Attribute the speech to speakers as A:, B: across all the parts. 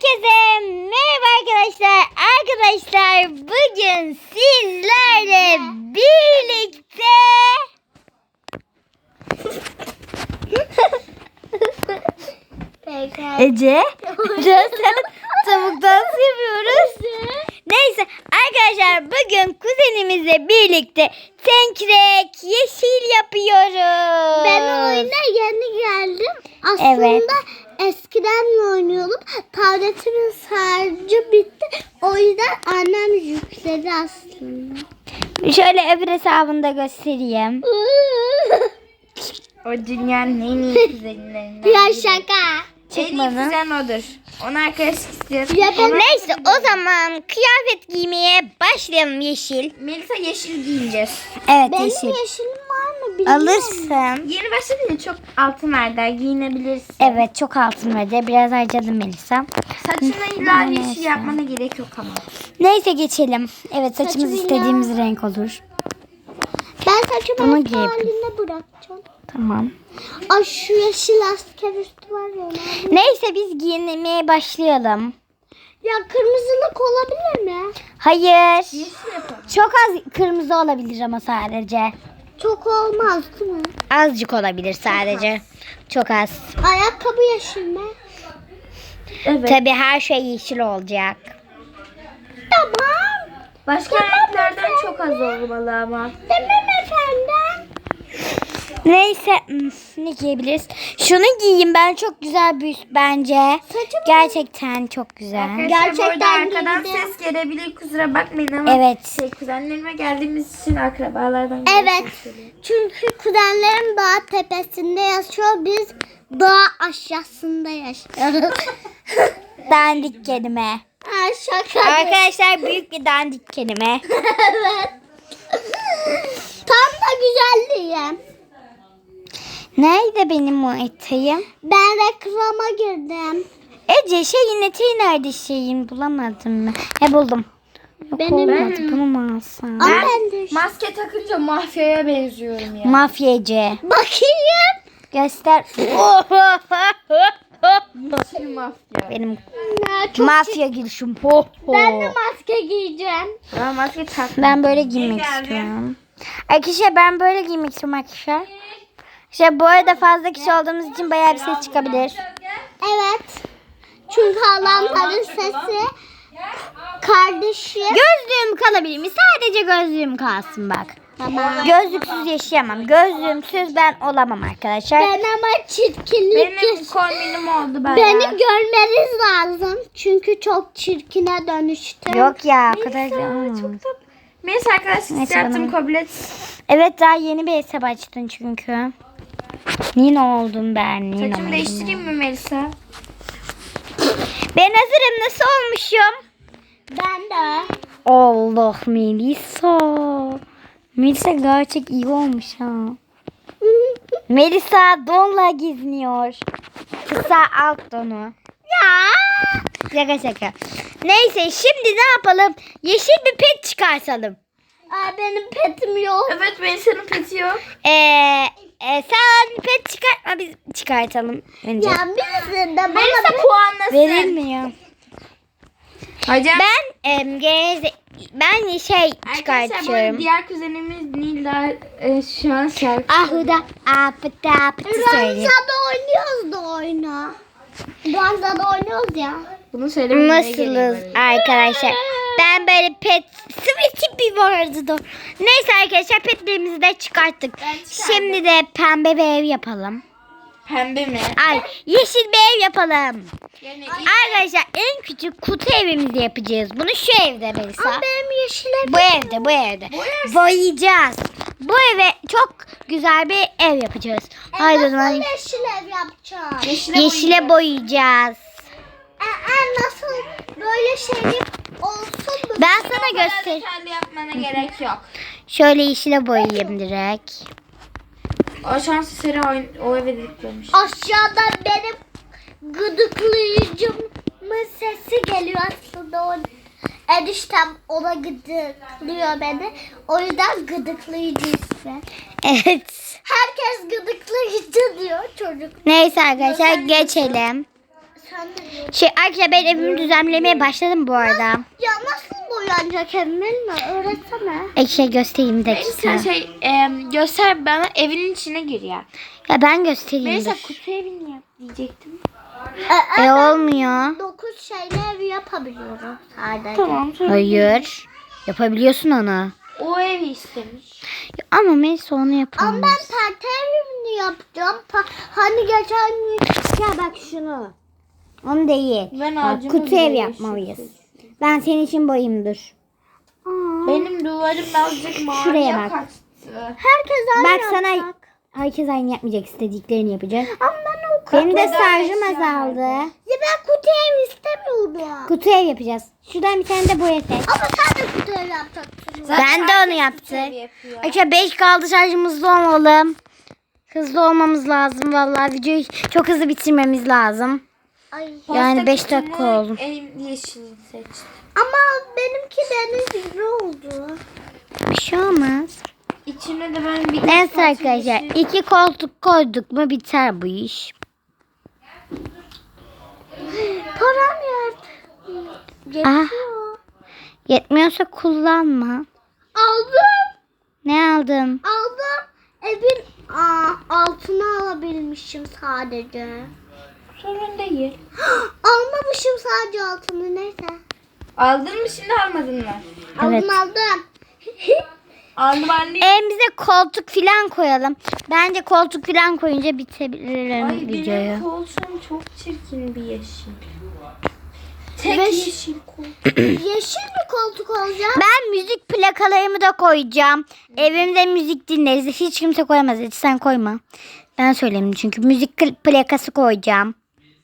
A: Herkese merhaba arkadaşlar. Arkadaşlar bugün sizlerle birlikte Ece tavuk dansı yapıyoruz. Neyse arkadaşlar bugün kuzenimizle birlikte tenkrek yeşil yapıyoruz.
B: Ben oyuna yeni geldim. Aslında
A: Evet.
B: eskiden oynuyordum. Tabletimin şarjı bitti. O yüzden annem yükledi aslında.
A: Şöyle öbür hesabını da göstereyim.
C: O dünyanın en iyi kuzenlerinden.
B: Ya şaka.
C: En iyi kuzen odur. Onu arkadaş istiyor.
A: Neyse o zaman kıyafet giymeye başlayalım yeşil.
C: Melisa yeşil giyeceğiz.
A: Evet
B: Benim
A: yeşil.
B: yeşilim var mı bilmiyorum.
A: Alırsın.
C: Yeni başladın ya, çok altın verdiler, giyinebilirsin.
A: Evet çok altın verdi. Biraz harcadım Melisa.
C: Saçına illa
A: Neyse.
C: yeşil yapmana gerek yok ama.
A: Neyse geçelim. Evet saçımız
B: Saçımı
A: istediğimiz renk olur.
B: Ben saçımı
A: Bunu
B: eski
A: giy.
B: haline bırakacağım.
A: Tamam.
B: Ay şu yeşil asker üstü var ya.
A: Neyse biz giyinmeye başlayalım.
B: Ya kırmızılık olabilir mi?
A: Hayır.
C: Yeşil yapalım.
A: Çok az kırmızı olabilir ama sadece.
B: Çok olmaz değil mi?
A: Azıcık olabilir sadece. Çok az.
B: Ayakkabı yeşil mi?
C: Evet.
A: Tabii her şey yeşil olacak.
B: Tamam.
C: Başka renklerden çok az olmalı ama.
B: Tamam efendim.
A: Neyse ne giyebiliriz? Şunu giyeyim ben, çok güzel bir üst bence.
B: Saçımı-
A: Gerçekten çok güzel.
C: Gerçekten bu arada
B: Gerçekten
C: arkadan
B: giydim.
C: ses gelebilir, kusura bakmayın ama.
A: Evet.
C: Kuzenlerime geldiğimiz için akrabalardan
B: Evet. Çünkü kuzenlerim dağ tepesinde yaşıyor. Biz dağ aşağısında yaşıyoruz.
A: Dandik kelime.
B: Ha, şaka.
A: Arkadaşlar büyük bir dandik kelime.
B: Evet. Tam da güzelliğim.
A: Nerede benim o eteğim?
B: Ben reklama girdim.
A: Ece şeyin eteği nerede şeyin, bulamadım mı? He buldum. Yok
B: Benim-
A: olmadı, bunu mu alsam?
B: Ama ben de
C: Maske takınca mafyaya benziyorum ya.
A: Mafyacı.
B: bakayım.
A: Göster.
C: Yeşil mafya.
A: Benim
B: Ya, çok
A: mafya gülüşüm. Ho, ho.
B: Ben de maske giyeceğim.
C: Ama maske tak.
A: Ben böyle giymek istiyorum. Arkadaşlar ben böyle giymek istiyorum arkadaşlar. İşte bu arada fazla kişi olduğumuz için bayağı bir ses çıkabilir.
B: Evet. Çünkü halamların sesi kardeşi.
A: Gözlüğüm kalabilir mi? Sadece gözlüğüm kalsın bak.
B: Tamam.
A: Gözlüksüz yaşayamam. Gözlüğümsüz ben olamam arkadaşlar.
B: Ben ama çirkinlik
C: Benim kombinim oldu bayağı.
B: Beni görmeniz lazım. Çünkü çok çirkine dönüştüm.
A: Yok ya o kadar.
C: Neyse arkadaşlar,
A: Neyse,
C: yaptım,
A: bana-
C: kabul et.
A: Evet daha yeni bir hesap açtın çünkü. Nino oldum ben. Nino
C: Saçımı değiştireyim mi Melisa?
A: Ben hazırım. Nasıl olmuşum?
B: Ben de.
A: Allah Melisa. Melisa gerçek iyi olmuş ha. Melisa donla geziniyor. Kısa alt donu.
B: Ya.
A: Şaka şaka. Neyse şimdi ne yapalım? Yeşil bir pet çıkartalım.
B: Aa, benim petim yok.
C: Evet, Melisa'nın peti yok.
A: Sen pet çıkartma, biz çıkartalım önce.
B: Ya birisi de bana
C: Melisa puanlasın.
A: Verilmiyor.
C: Hocam.
A: Ben şey
C: Arkadaşlar bu arada
A: çıkartıyorum.
C: diğer kuzenimiz Nilda şu an şarkı.
A: Ahuda apıtı apıtı söyleyeyim.
B: Ranzada oynuyoruz da oyunu. Ranzada oynuyoruz ya.
C: Bunu söylemeye gerek
A: Nasılız
C: var.
A: arkadaşlar? Ben böyle pet sweetie bir vardı da. Neyse arkadaşlar petlerimizi de çıkarttık.
C: çıkardım.
A: Şimdi de pembe bir ev yapalım.
C: Pembe mi?
A: Ay yeşil bir ev yapalım.
C: Yani
A: Arkadaşlar en küçük kutu evimizi yapacağız. Bunu şu evde Melisa.
B: Ama benim yeşile
A: Bu evde. Boyayacağız. Bu eve çok güzel bir ev yapacağız. Haydi o zaman
B: nasıl yeşil ev yapacağım?
A: yeşile boyayacağız.
B: Nasıl böyle şey olsun mu?
A: Ben sana göster.
C: detaylı yapmana gerek yok.
A: Şöyle yeşile boyayayım direkt.
C: O şansı Sera o eve diklemiş.
B: Aşağıda benim gıdıklayıcımın sesi geliyor aslında. O eniştem ona gıdıklıyor beni. O yüzden gıdıklayıcı ismi.
A: Evet.
B: Herkes gıdıklayıcı diyor çocuk.
A: Neyse arkadaşlar geçelim.
B: Sen ne diyorsun?
A: Arkadaşlar ben evimi düzenlemeye başladım bu arada.
B: Ya nasıl boyanacak Emel mi? Öğretsene.
A: Göstereyim de
C: Melisa göster bana, evinin içine gir ya.
A: Ya ben göstereyim.
C: Melisa
A: dur.
C: kutu evini yap diyecektim.
A: Olmuyor.
B: 9 şeyle ev yapabiliyorum sadece.
C: Tamam.
A: Hayır. Yapabiliyorsun onu.
C: O evi istemiş.
A: Ama Melisa onu
B: Ama
A: yapamaz.
B: ben perde evini yapacağım. Hani geçen gün... Ya bak şunu. Onu değil.
C: Ben
A: Bak,
C: ağacımı
A: kutu
C: bile
A: ev yapmalıyız. Ben senin için boyayayım dur.
C: Benim duvarım birazcık maviye
A: Şuraya bak.
C: kaçtı.
B: Herkes aynı
A: Bak sana
B: yapacak.
A: herkes aynı yapmayacak, istediklerini yapacak.
B: Ama ben o
A: Benim de
C: Neden
A: şarjım
C: eşya
A: azaldı.
B: Ya ben kutu ev istemiyorum.
A: Kutu ev yapacağız. Şuradan bir tane de boya seç.
B: Ama sen de kutu ev yapacaksın.
A: Ben de onu yaptım. Arkadaşlar 5 kaldı, şarjımız hızlı olmalı. Hızlı olmamız lazım vallahi, videoyu çok hızlı bitirmemiz lazım.
B: Ay.
A: Yani 5 dakika oldu.
C: En yeşilini seçtim.
B: Ama benimki deniz gibi oldu.
A: Bir şey olmaz.
C: İçine de ben bir
A: Neyse arkadaşlar, 2 koltuk koyduk mu biter bu iş.
B: Param yok.
A: Ah,
B: Yetiyor.
A: yetmiyorsa kullanma.
B: Aldım.
A: Ne aldın?
B: Aldım. Evin altına alabilmişim sadece.
C: sorun değil.
B: Almamışım sadece altını, neyse.
C: Aldın mı şimdi, almadın mı?
A: Evet.
B: Aldım.
C: Aldım anne.
A: Evimize koltuk filan koyalım. Bence koltuk filan koyunca bitebilir
C: Ay
A: videoyu.
C: benim koltuğum çok çirkin bir yeşil. Tek
B: Ve-
C: yeşil koltuk.
B: Yeşil bir koltuk olacak.
A: Ben müzik plakalarımı da koyacağım. Evimde müzik dinleriz. Hiç kimse koyamaz. Hiç sen koyma. Ben söyleyeyim çünkü müzik plakası koyacağım.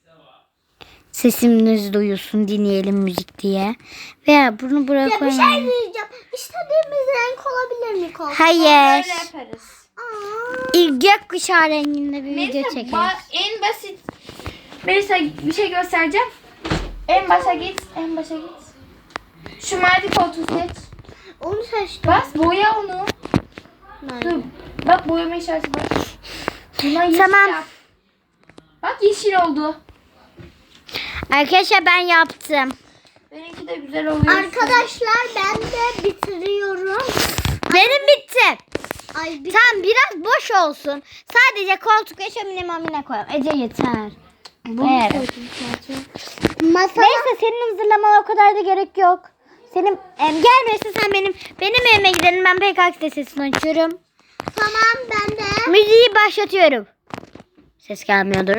A: Sesimiz duyulsun, dinleyelim müzik diye. Veya bunu buraya
B: Ya bir
A: koyalım.
B: şey diyeceğim. İstediğimiz renk olabilir mi koltuk?
A: Hayır.
C: Böyle yaparız.
B: Aa.
A: Gökkuşağı renginde bir video
C: Melisa
A: çekeriz.
C: en basit. Melisa bir şey göstereceğim. En başa git. En başa git. Şu mavi koltuğu seç.
B: Onu seçtim.
C: Bas boya onu.
B: Nerede?
C: Dur. Bak boyama işareti bak. Buna yeşil
A: Tamam.
C: yap. Bak yeşil oldu.
A: Arkadaşlar ben yaptım.
C: Benimki de güzel oluyor.
B: Arkadaşlar ben de bitiriyorum.
A: Benim bitti.
B: Ay bir
A: Tamam, biraz boş olsun. Sadece koltuk ve şömine mamine koyalım. Ece yeter. Evet.
B: masa.
A: Neyse, senin hazırlamana o kadar da gerek yok. Senin gelmiyorsa sen benim evime gidelim. Ben PKK sesini açıyorum.
B: Tamam ben de.
A: Müziği başlatıyorum. Ses gelmiyordur.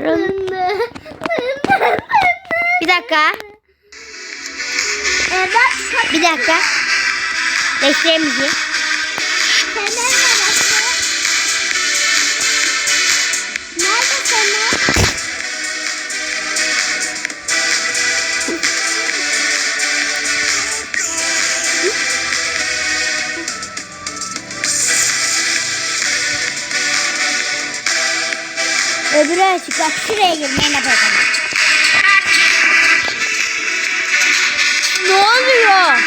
A: Bir dakika.
B: Evet.
A: Bir dakika. Değiştireyim müziği.
B: Fener neresi? Nerede fener?
A: Öbürü açık. Bak şuraya girmeye ne bakalım. Ne oluyor?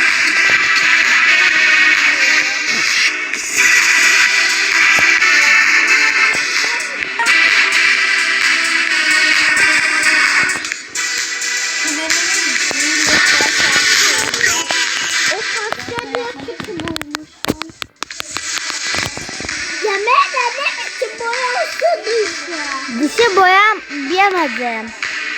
B: O pasta bir kutu bulmuşum. Yemeğe de ne biçim boyası duydu.
A: Dışı boyamadım.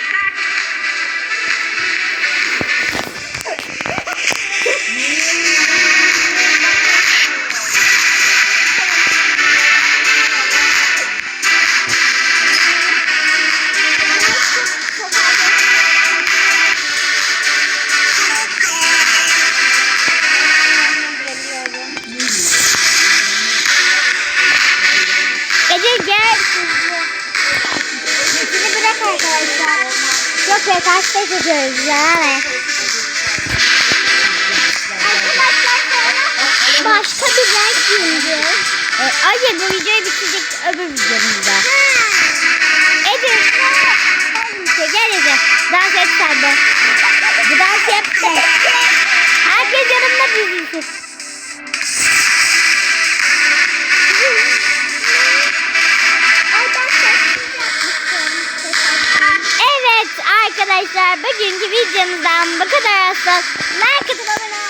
A: Ece gel. İçini bırak arkadaşlar. Yok be, kaçta çekiyoruz yani.
B: Arkadaşlar sonra başka bir renk giyineceğiz.
A: Hayır, bu videoyu bitirecek öbür videomuzda. Ece. Gel Ece. Dans et sen de. Bu dans yap sen. Herkes yanımda dizilsin.
B: Ay ben sessiz yapmıştım.
A: Evet arkadaşlar bugünkü videomuzdan bu kadar olsun. Like atıp abone